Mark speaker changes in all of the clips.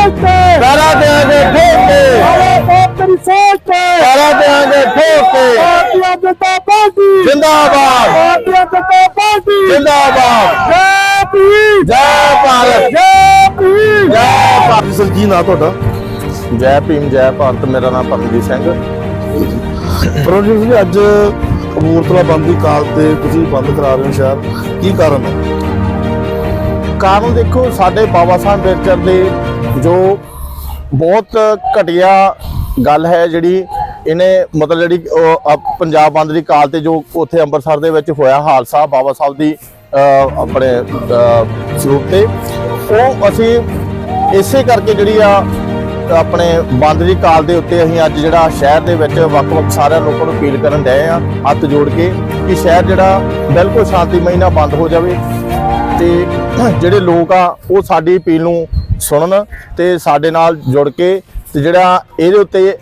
Speaker 1: सोच पे
Speaker 2: करा देंगे ठोक के,
Speaker 1: सारे बाप तेरी सोच पे
Speaker 2: करा देंगे ठोक के।
Speaker 1: भारतीय जनता पार्टी
Speaker 2: जिंदाबाद,
Speaker 1: भारतीय जनता पार्टी
Speaker 2: जिंदाबाद।
Speaker 1: जय भीम
Speaker 2: जय भारत,
Speaker 1: जय भीम
Speaker 2: जय भारत।
Speaker 3: ਸਰ ਕੀ ਨਾਂ ਤੁਹਾਡਾ?
Speaker 2: जय भीम जय भारत। मेरा नाम परमजीत सिंह।
Speaker 3: ਪਰਮਜੀਤ ਜੀ ਅੱਜ ਕਪੂਰਥਲਾ ਬੰਦ ਦੀ ਕਾਲ ਤੇ ਤੁਸੀਂ ਬੰਦ ਕਰਾ ਰਹੇ ਹੋ ਸ਼ਹਿਰ, ਕੀ ਕਾਰਨ ਹੈ?
Speaker 2: ਕਾਰਨ ਦੇਖੋ, ਸਾਡੇ ਬਾਬਾ ਸਾਹਿਬ ਅੰਬੇਡਕਰ ਦੇ ਜੋ ਬਹੁਤ ਘਟੀਆ ਗੱਲ ਹੈ ਜਿਹੜੀ ਇਹਨੇ ਮਤਲਬ ਜਿਹੜੀ ਪੰਜਾਬ ਬੰਦ ਦੀ ਕਾਲ ਤੇ ਜੋ ਉੱਥੇ ਅੰਮ੍ਰਿਤਸਰ ਦੇ ਵਿੱਚ ਹੋਇਆ ਹਾਦਸਾ ਬਾਬਾ ਸਾਹਿਬ ਦੀ ਆਪਣੇ ਸਰੂਪ ਤੇ, ਉਹ ਅਸੀਂ ਇਸੇ ਕਰਕੇ ਜਿਹੜੀ ਆ ਆਪਣੇ ਬੰਦ ਦੀ ਕਾਲ ਦੇ ਉੱਤੇ ਅਸੀਂ ਅੱਜ ਜਿਹੜਾ ਸ਼ਹਿਰ ਦੇ ਵਿੱਚ ਵੱਖ-ਵੱਖ ਸਾਰਿਆਂ ਲੋਕਾਂ ਨੂੰ ਅਪੀਲ ਕਰਨ ਡਏ ਆ ਹੱਥ ਜੋੜ ਕੇ ਕਿ ਸ਼ਹਿਰ ਜਿਹੜਾ ਬਿਲਕੁਲ ਸ਼ਾਂਤੀਮਈ ਨਾਲ ਬੰਦ ਹੋ ਜਾਵੇ ਤੇ ਜਿਹੜੇ ਲੋਕ ਆ ਉਹ ਸਾਡੀ ਅਪੀਲ ਨੂੰ ਸੁਣਨ ਤੇ ਸਾਡੇ ਨਾਲ ਜੁੜ ਕੇ ਤੇ ਜਿਹੜਾ ਇਹਦੇ ਉੱਤੇ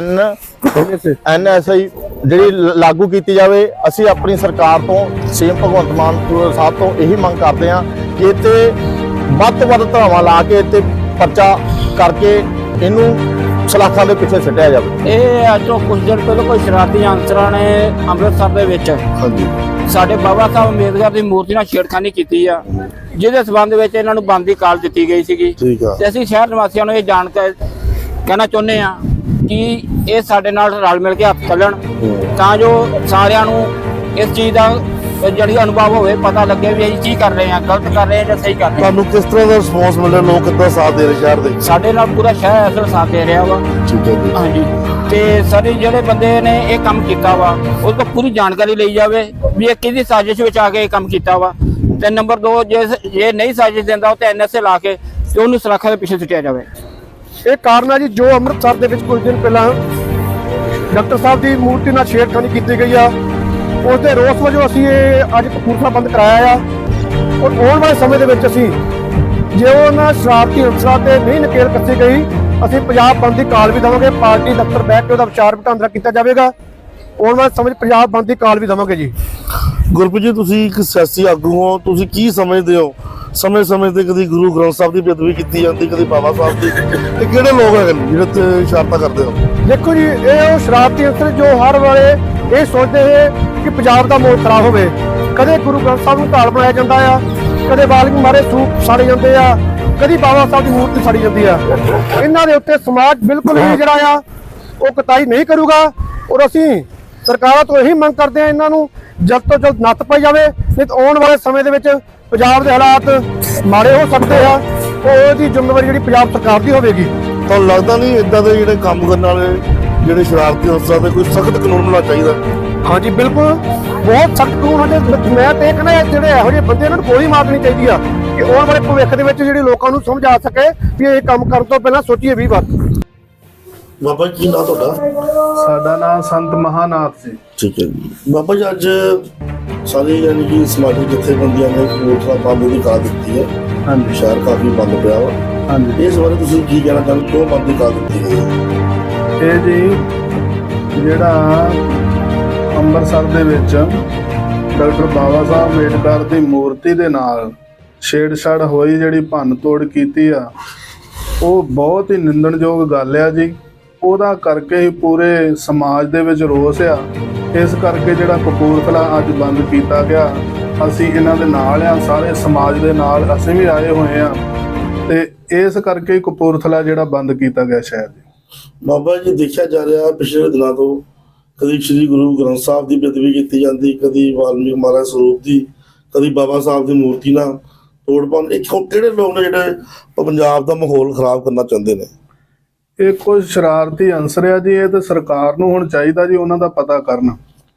Speaker 2: NSI ਜਿਹੜੀ ਲਾਗੂ ਕੀਤੀ ਜਾਵੇ। ਅਸੀਂ ਆਪਣੀ ਸਰਕਾਰ ਤੋਂ ਸੀਐਮ ਭਗਵੰਤ ਮਾਨ ਸਾਹਿਬ ਤੋਂ ਇਹੀ ਮੰਗ ਕਰਦੇ ਹਾਂ ਕਿ ਇੱਥੇ ਵੱਧ ਤੋਂ ਵੱਧ ਧਾਵਾਂ ਲਾ ਕੇ ਇੱਥੇ ਪਰਚਾ ਕਰਕੇ ਇਹਨੂੰ ਸਲਾਖਾਂ ਦੇ ਪਿੱਛੇ ਸਿੱਟਿਆ ਜਾਵੇ।
Speaker 4: ਇਹ ਅੱਜ ਤੋਂ ਕੁਝ ਦਿਨ ਪਹਿਲਾਂ ਕੋਈ ਸ਼ਰਾਰਤੀ ਅਨਸਰਾਂ ਨੇ ਅੰਮ੍ਰਿਤਸਰ ਦੇ ਵਿੱਚ
Speaker 3: ਹਾਂਜੀ,
Speaker 4: ਸਾਡੇ ਬਾਬਾ ਸਾਹਿਬ ਅੰਬੇਦਕਰ ਦੀ ਮੂਰਤੀ ਨਾਲ ਛੇੜਖਾਨੀ ਕੀਤੀ ਆ, ਜਿਹਦੇ ਸਬੰਧ ਵਿੱਚ ਇਹਨਾਂ ਨੂੰ ਬੰਦ ਦੀ ਕਾਲ ਦਿੱਤੀ ਗਈ ਸੀਗੀ।
Speaker 3: ਠੀਕ ਆ।
Speaker 4: ਤੇ ਅਸੀਂ ਸ਼ਹਿਰ ਨਿਵਾਸੀਆਂ ਨੂੰ ਇਹ ਜਾਣ ਕੇ ਕਹਿਣਾ ਚਾਹੁੰਦੇ ਆ ਕਿ ਇਹ ਸਾਡੇ ਨਾਲ ਰਲ ਮਿਲ ਕੇ ਹੱਥ ਚੱਲਣ ਤਾਂ ਜੋ ਸਾਰਿਆਂ ਨੂੰ ਇਸ ਚੀਜ਼ ਦਾ ਜਿਹੜੀ ਅਨੁਭਵ ਹੋਵੇ, ਪਤਾ ਲੱਗੇ ਵੀ ਅਸੀਂ ਕੀ ਕਰ ਰਹੇ ਹਾਂ, ਗਲਤ ਕਰ ਰਹੇ ਹਾਂ ਜਾਂ ਸਹੀ ਕਰ ਰਹੇ ਹਾਂ।
Speaker 3: ਤੁਹਾਨੂੰ ਕਿਸ ਤਰ੍ਹਾਂ ਦਾ ਰਿਸਪੌਂਸ ਮਿਲ ਰਿਹਾ, ਲੋਕ ਕਿੱਦਾਂ ਸਾਥ ਦੇ ਰਹੇ ਸ਼ਹਿਰ ਦੇ?
Speaker 4: ਸਾਡੇ ਨਾਲ ਪੂਰਾ ਸ਼ਹਿਰ ਅਸਲ ਸਾਥ ਦੇ ਰਿਹਾ ਵਾ।
Speaker 3: ਠੀਕ ਹੈ ਜੀ।
Speaker 4: ਹਾਂਜੀ, ਤੇ ਸਾਰੇ ਜਿਹੜੇ ਬੰਦੇ ਨੇ ਇਹ ਕੰਮ ਕੀਤਾ ਵਾ ਉਹ ਤੋਂ ਪੂਰੀ ਜਾਣਕਾਰੀ ਲਈ ਜਾਵੇ ਵੀ ਇਹ ਕਿਹਦੀ ਸਾਜ਼ਿਸ਼ ਵਿੱਚ ਆ ਕੇ ਇਹ ਕੰਮ ਕੀਤਾ ਵਾ। ਤੇ ਨੰਬਰ 2, ਜੇ ਨਹੀਂ ਸਾਜ਼ਿਸ਼ ਦਿੰਦਾ ਉਹ ਤੇ NSA ਲਾ ਕੇ ਤੇ ਉਹਨੂੰ ਸਲਾਖਾਂ ਦੇ ਪਿੱਛੇ ਸੁੱਟਿਆ ਜਾਵੇ।
Speaker 1: ਇਹ ਕਾਰਨ ਹੈ ਜੀ ਜੋ ਅੰਮ੍ਰਿਤਸਰ ਦੇ ਵਿੱਚ ਕੁਝ ਦਿਨ ਪਹਿਲਾਂ ਡਾਕਟਰ ਸਾਹਿਬ ਦੀ ਮੂਰਤੀ ਨਾਲ ਛੇੜਖਾਨੀ ਕੀਤੀ ਗਈ ਆ, ਉਸ ਦੇ ਰੋਸ ਵਜੋਂ ਅਸੀਂ ਇਹ ਅੱਜ ਕਪੂਰਥਲਾ ਬੰਦ ਕਰਾਇਆ ਆ। ਔਰ ਆਉਣ ਵਾਲੇ ਸਮੇਂ ਦੇ ਵਿੱਚ ਅਸੀਂ ਜੇ ਉਹਨਾਂ ਸ਼ਰਾਰਤੀ ਅਨਸਰਾਂ ਤੇ ਨਹੀਂ ਨਕੇਲ ਕੱਸੀ ਗਈ, ਅਸੀਂ ਪੰਜਾਬ ਬੰਦ ਦੀ ਕਾਲ ਵੀ ਦੇਵਾਂਗੇ। ਪਾਰਟੀ ਦਫ਼ਤਰ ਬੈਠ ਕੇ ਉਹਦਾ ਵਿਚਾਰ ਵਟਾਂਦਰਾ ਕੀਤਾ ਜਾਵੇਗਾ। ਆਉਣ ਵਾਲੇ ਸਮੇਂ 'ਚ ਪੰਜਾਬ ਬੰਦ ਦੀ ਕਾਲ ਵੀ ਦੇਵਾਂਗੇ ਜੀ।
Speaker 3: ਗੁਰਪ੍ਰੀਤ ਜੀ, ਤੁਸੀਂ ਇੱਕ ਸਿਆਸੀ ਆਗੂ ਹੋ, ਤੁਸੀਂ ਕੀ ਸਮਝਦੇ ਹੋ ਸਮੇਂ-ਸਮੇਂ ਤੇ ਕਦੀ ਗੁਰੂ ਗ੍ਰੰਥ ਸਾਹਿਬ ਦੀ ਬੇਅਦਬੀ ਕੀਤੀ ਜਾਂਦੀ, ਕਦੀ ਬਾਬਾ ਸਾਹਿਬ ਦੀ, ਤੇ ਕਿਹੜੇ ਲੋਕ ਹੈਗੇ ਨੇ ਜਿਹੜੇ ਤੇ ਸ਼ਰਾਰਤਾਂ ਕਰਦੇ ਹੋ?
Speaker 1: ਦੇਖੋ ਜੀ, ਇਹ ਉਹ ਸ਼ਰਾਰਤੀ ਅਨਸਰ ਜੋ ਹਰ ਵੇਲੇ ਇਹ ਸੋਚਦੇ ਹੈ ਕਿ ਪੰਜਾਬ ਦਾ ਮਾਹੌਲ ਖਰਾਬ ਹੋਵੇ। ਕਦੇ ਗੁਰੂ ਗ੍ਰੰਥ ਸਾਹਿਬ ਨੂੰ ਢਾਲ ਬਣਾਇਆ ਜਾਂਦਾ ਆ, ਕਦੇ ਵਾਲਮੀਕੀ ਮਾਰੇ ਸੂਪ ਸਾੜੇ ਜਾਂਦੇ ਆ, ਕਦੀ ਬਾਬਾ ਸਾਹਿਬ ਦੀ ਮੂਰਤੀ ਸਾੜੀ ਜਾਂਦੀ ਆ। ਇਹਨਾਂ ਦੇ ਉੱਤੇ ਸਮਾਜ ਬਿਲਕੁਲ ਹੀ ਜਿਹੜਾ ਆ ਉਹ ਕਤਾਈ ਨਹੀਂ ਕਰੂਗਾ। ਔਰ ਅਸੀਂ ਸਰਕਾਰਾਂ ਤੋਂ ਇਹੀ ਮੰਗ ਕਰਦੇ ਆ ਇਹਨਾਂ ਨੂੰ ਜਲਦ ਤੋਂ ਜਲਦ ਨੱਥ ਪਾਈ ਜਾਵੇ, ਨਹੀਂ ਤਾਂ ਆਉਣ ਵਾਲੇ ਸਮੇਂ ਦੇ ਵਿੱਚ ਪੰਜਾਬ ਦੇ ਹਾਲਾਤ ਮਾੜੇ ਹੋ ਸਕਦੇ ਆ। ਉਹਦੀ ਜ਼ਿੰਮੇਵਾਰੀ ਜਿਹੜੀ ਪੰਜਾਬ ਸਰਕਾਰ ਦੀ ਹੋਵੇਗੀ।
Speaker 3: ਤੁਹਾਨੂੰ ਲੱਗਦਾ ਨਹੀਂ ਇਦਾਂ ਦੇ ਜਿਹੜੇ ਕੰਮ ਕਰਨ ਵਾਲੇ ਜਿਹੜੇ ਸ਼ਰਾਰਤੀ ਅਨਸਰਾਂ ਤੇ ਕੋਈ ਸਖਤ ਕਾਨੂੰਨ ਹੋਣਾ ਚਾਹੀਦਾ?
Speaker 1: ਹਾਂਜੀ ਬਿਲਕੁਲ, ਬਹੁਤ ਸਖਤ ਕਾਨੂੰਨ ਹੋਣੇ। ਮੈਂ ਤੇ ਕਹਿੰਦਾ ਜਿਹੜੇ ਇਹੋ ਜਿਹੇ ਬੰਦੇ ਇਹਨਾਂ ਨੂੰ ਗੋਲੀ ਮਾਰਨੀ ਚਾਹੀਦੀ ਆ ਕਿ ਆਉਣ ਵਾਲੇ ਭਵਿੱਖ ਦੇ ਵਿੱਚ ਜਿਹੜੇ ਲੋਕਾਂ ਨੂੰ ਸਮਝ ਆ ਸਕੇ ਵੀ ਇਹ ਕੰਮ ਕਰਨ ਤੋਂ ਪਹਿਲਾਂ ਸੋਚੀਏ 20 ਵਾਰ।
Speaker 3: ਬਾਬਾ ਜੀ, ਕੀ ਨਾਂ ਤੁਹਾਡਾ?
Speaker 5: ਸਾਡਾ ਨਾਮ ਸੰਤ ਮਹਾਨਾਥ ਜੀ।
Speaker 3: ਠੀਕ ਹੈ ਜੀ। ਬਾਬਾ ਜੀ, ਅੱਜ ਸਾਰੀ ਯਾਨੀ ਕਿ ਸਮਾਜਿਕ ਜਥੇਬੰਦੀਆਂ ਨੇ ਕਪੂਰਥਲਾ ਬੰਦ ਦੀ ਕਾਲ ਦਿੱਤੀ ਹੈ।
Speaker 5: ਹਾਂਜੀ,
Speaker 3: ਸ਼ਹਿਰ ਕਾਫੀ ਬੰਦ ਪਿਆ ਵਾ।
Speaker 5: ਹਾਂਜੀ।
Speaker 3: ਇਸ ਬਾਰੇ ਤੁਸੀਂ ਕੀ ਕਹਿਣਾ ਚਾਹੁੰਦੇ, ਕਿਉਂ ਬੰਦ ਦੀ ਕਾਲ ਦਿੱਤੀ ਗਈ ਹੈ?
Speaker 5: ਇਹ ਜੀ ਜਿਹੜਾ ਅੰਮ੍ਰਿਤਸਰ ਦੇ ਵਿੱਚ ਡਾਕਟਰ ਬਾਬਾ ਸਾਹਿਬ ਅੰਬੇਡਕਰ ਦੀ ਮੂਰਤੀ ਦੇ ਨਾਲ ਛੇੜਛਾੜ ਹੋਈ, ਜਿਹੜੀ ਭੰਨ ਤੋੜ ਕੀਤੀ ਆ, ਉਹ ਬਹੁਤ ਹੀ ਨਿੰਦਣਯੋਗ ਗੱਲ ਆ ਜੀ। ਉਹਦਾ ਕਰਕੇ ਹੀ ਪੂਰੇ ਸਮਾਜ ਦੇ ਵਿੱਚ ਰੋਸ ਆ। ਇਸ ਕਰਕੇ ਜਿਹੜਾ ਕਪੂਰਥਲਾ ਅੱਜ ਬੰਦ ਕੀਤਾ ਗਿਆ, ਅਸੀਂ ਇਹਨਾਂ ਦੇ ਨਾਲ ਆ, ਸਾਰੇ ਸਮਾਜ ਦੇ ਨਾਲ ਅਸੀਂ ਵੀ ਆਏ ਹੋਏ ਆ ਤੇ ਇਸ ਕਰਕੇ ਹੀ ਕਪੂਰਥਲਾ ਜਿਹੜਾ ਬੰਦ ਕੀਤਾ ਗਿਆ ਸ਼ਹਿਰ ਜੀ।
Speaker 3: ਬਾਬਾ ਜੀ, ਦੇਖਿਆ ਜਾ ਰਿਹਾ ਪਿਛਲੇ ਦਿਨਾਂ ਤੋਂ ਕਦੀ ਸ੍ਰੀ ਗੁਰੂ ਗ੍ਰੰਥ ਸਾਹਿਬ ਦੀ ਬੇਅਦਬੀ ਕੀਤੀ ਜਾਂਦੀ, ਕਦੀ ਵਾਲਮੀਕੀ ਮਹਾਰਾਜ ਸਰੂਪ ਦੀ, ਕਦੀ ਬਾਬਾ ਸਾਹਿਬ ਦੀ ਮੂਰਤੀ ਨਾਲ ਤੋੜ ਪਾਉਣ। ਇਹ ਕਿਹੜੇ ਲੋਕ ਨੇ ਜਿਹੜੇ ਪੰਜਾਬ ਦਾ ਮਾਹੌਲ ਖਰਾਬ ਕਰਨਾ ਚਾਹੁੰਦੇ ਨੇ?
Speaker 5: ਇਹ ਕੁਝ ਸ਼ਰਾਰਤੀ ਅਨਸਰ ਆ ਜੀ। ਇਹ ਤਾਂ ਸਰਕਾਰ ਨੂੰ ਹੁਣ ਚਾਹੀਦਾ ਜੀ ਉਹਨਾਂ ਦਾ ਪਤਾ ਕਰਨਾ।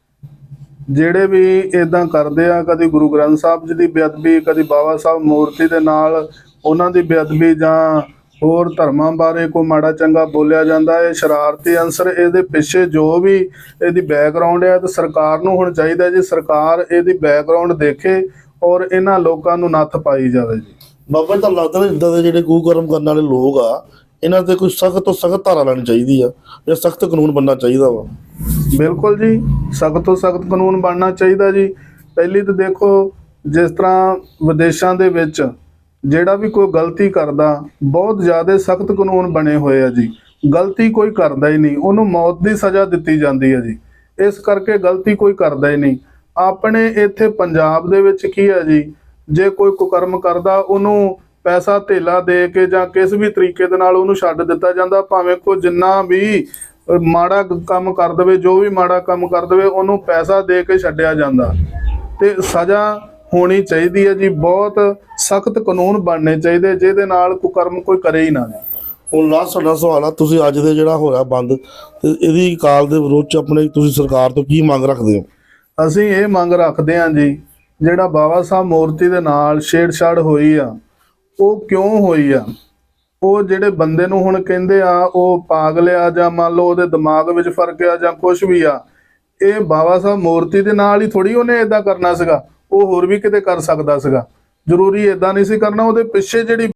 Speaker 5: ਜਿਹੜੇ ਵੀ ਇਦਾਂ ਕਰਦੇ ਆ, ਕਦੀ ਗੁਰੂ ਗ੍ਰੰਥ ਸਾਹਿਬ ਜੀ ਦੀ ਬੇਅਦਬੀ, ਕਦੀ ਬਾਬਾ ਸਾਹਿਬ ਮੂਰਤੀ ਦੇ ਨਾਲ ਉਹਨਾਂ ਦੀ ਬੇਅਦਬੀ, ਜਾਂ ਹੋਰ ਧਰਮਾਂ ਬਾਰੇ ਕੋਈ ਮਾੜਾ ਚੰਗਾ ਬੋਲਿਆ ਜਾਂਦਾ, ਇਹ ਸ਼ਰਾਰਤੀ ਅਨਸਰ ਇਹਦੇ ਪਿੱਛੇ ਜੋ ਵੀ ਇਹਦੀ ਬੈਕਗ੍ਰਾਉਂਡ ਹੈ, ਤੇ ਸਰਕਾਰ ਨੂੰ ਹੁਣ ਚਾਹੀਦਾ ਜੀ ਸਰਕਾਰ ਇਹਦੀ ਬੈਕਗ੍ਰਾਉਂਡ ਦੇਖੇ ਔਰ ਇਹਨਾਂ ਲੋਕਾਂ ਨੂੰ ਨੱਥ ਪਾਈ ਜਾਵੇ ਜੀ।
Speaker 3: ਬਾਬਾ ਜੀ, ਤੁਹਾਨੂੰ ਲੱਗਦਾ ਨਾ ਇੱਦਾਂ ਦੇ ਜਿਹੜੇ ਕੁਕਰਮ ਕਰਨ ਵਾਲੇ ਲੋਕ ਆ, ਇਹਨਾਂ ਤੇ ਕੋਈ ਸਖਤ ਤੋਂ ਸਖਤ ਧਾਰਾ ਲੈਣੀ ਚਾਹੀਦੀ ਆ ਜਾਂ ਸਖਤ ਕਾਨੂੰਨ ਬਣਨਾ ਚਾਹੀਦਾ ਵਾ?
Speaker 5: ਬਿਲਕੁਲ ਜੀ, ਸਖਤ ਤੋਂ ਸਖਤ ਕਾਨੂੰਨ ਬਣਨਾ ਚਾਹੀਦਾ ਜੀ। ਪਹਿਲੀ ਤਾਂ ਦੇਖੋ, ਜਿਸ ਤਰ੍ਹਾਂ ਵਿਦੇਸ਼ਾਂ ਦੇ ਵਿੱਚ ਜਿਹੜਾ ਵੀ ਕੋਈ ਗਲਤੀ ਕਰਦਾ, ਬਹੁਤ ਜ਼ਿਆਦਾ ਸਖਤ ਕਾਨੂੰਨ ਬਣੇ ਹੋਏ ਆ ਜੀ। ਗਲਤੀ ਕੋਈ ਕਰਦਾ ਹੀ ਨਹੀਂ, ਉਹਨੂੰ ਮੌਤ ਦੀ ਸਜ਼ਾ ਦਿੱਤੀ ਜਾਂਦੀ ਹੈ ਜੀ। ਇਸ ਕਰਕੇ ਗਲਤੀ ਕੋਈ ਕਰਦਾ ਹੀ ਨਹੀਂ। ਆਪਣੇ ਇੱਥੇ ਪੰਜਾਬ ਦੇ ਵਿੱਚ ਕੀ ਹੈ ਜੀ, ਜੇ ਕੋਈ ਕੁਕਰਮ ਕਰਦਾ ਉਹਨੂੰ ਪੈਸਾ ਧੇਲਾ ਦੇ ਕੇ ਜਾਂ ਕਿਸੇ ਵੀ ਤਰੀਕੇ ਦੇ ਨਾਲ ਉਹਨੂੰ ਛੱਡ ਦਿੱਤਾ ਜਾਂਦਾ, ਭਾਵੇਂ ਕੋਈ ਜਿੰਨਾ ਵੀ ਮਾੜਾ ਕੰਮ ਕਰ ਦੇਵੇ, ਜੋ ਵੀ ਮਾੜਾ ਕੰਮ ਕਰ ਦੇਵੇ, ਉਹਨੂੰ ਪੈਸਾ ਦੇ ਕੇ ਛੱਡਿਆ ਜਾਂਦਾ। ਤੇ ਸਜ਼ਾ ਹੋਣੀ ਚਾਹੀਦੀ ਹੈ ਜੀ, ਬਹੁਤ ਸਖਤ ਕਾਨੂੰਨ ਬਣਨੇ ਚਾਹੀਦੇ ਜਿਹਦੇ ਨਾਲ ਕੁਕਰਮ ਕੋਈ ਕਰੇ ਹੀ ਨਾ।
Speaker 3: ਹੁਣ ਲਾਸਟ ਸਾਡਾ ਸਵਾਲ ਆ, ਤੁਸੀਂ ਅੱਜ ਦੇ ਜਿਹੜਾ ਹੋਇਆ ਬੰਦ ਤੇ ਇਹਦੀ ਕਾਲ ਦੇ ਵਿਰੋਧ ਚ ਆਪਣੇ ਤੁਸੀਂ ਸਰਕਾਰ ਤੋਂ ਕੀ ਮੰਗ ਰੱਖਦੇ ਹੋ?
Speaker 5: ਅਸੀਂ ਇਹ ਮੰਗ ਰੱਖਦੇ ਹਾਂ ਜੀ, ਜਿਹੜਾ ਬਾਬਾ ਸਾਹਿਬ ਮੂਰਤੀ ਦੇ ਨਾਲ ਛੇੜਛਾੜ ਹੋਈ ਆ, ਉਹ ਕਿਉਂ ਹੋਈ ਆ? ਉਹ ਜਿਹੜੇ ਬੰਦੇ ਨੂੰ ਹੁਣ ਕਹਿੰਦੇ ਆ ਉਹ ਪਾਗਲ ਆ, ਜਾਂ ਮੰਨ ਲਓ ਉਹਦੇ ਦਿਮਾਗ ਵਿੱਚ ਫਰਕ ਆ ਜਾਂ ਕੁਝ ਵੀ ਆ, ਇਹ ਬਾਬਾ ਸਾਹਿਬ ਮੂਰਤੀ ਦੇ ਨਾਲ ਹੀ ਥੋੜੀ ਉਹਨੇ ਇਦਾਂ ਕਰਨਾ ਸੀਗਾ। ਉਹ ਹੋਰ ਵੀ ਕਿਤੇ ਕਰ ਸਕਦਾ ਸੀਗਾ, ਜ਼ਰੂਰੀ ਇਦਾਂ ਨਹੀਂ ਸੀ ਕਰਨਾ। ਉਹਦੇ ਪਿੱਛੇ ਜਿਹੜੀ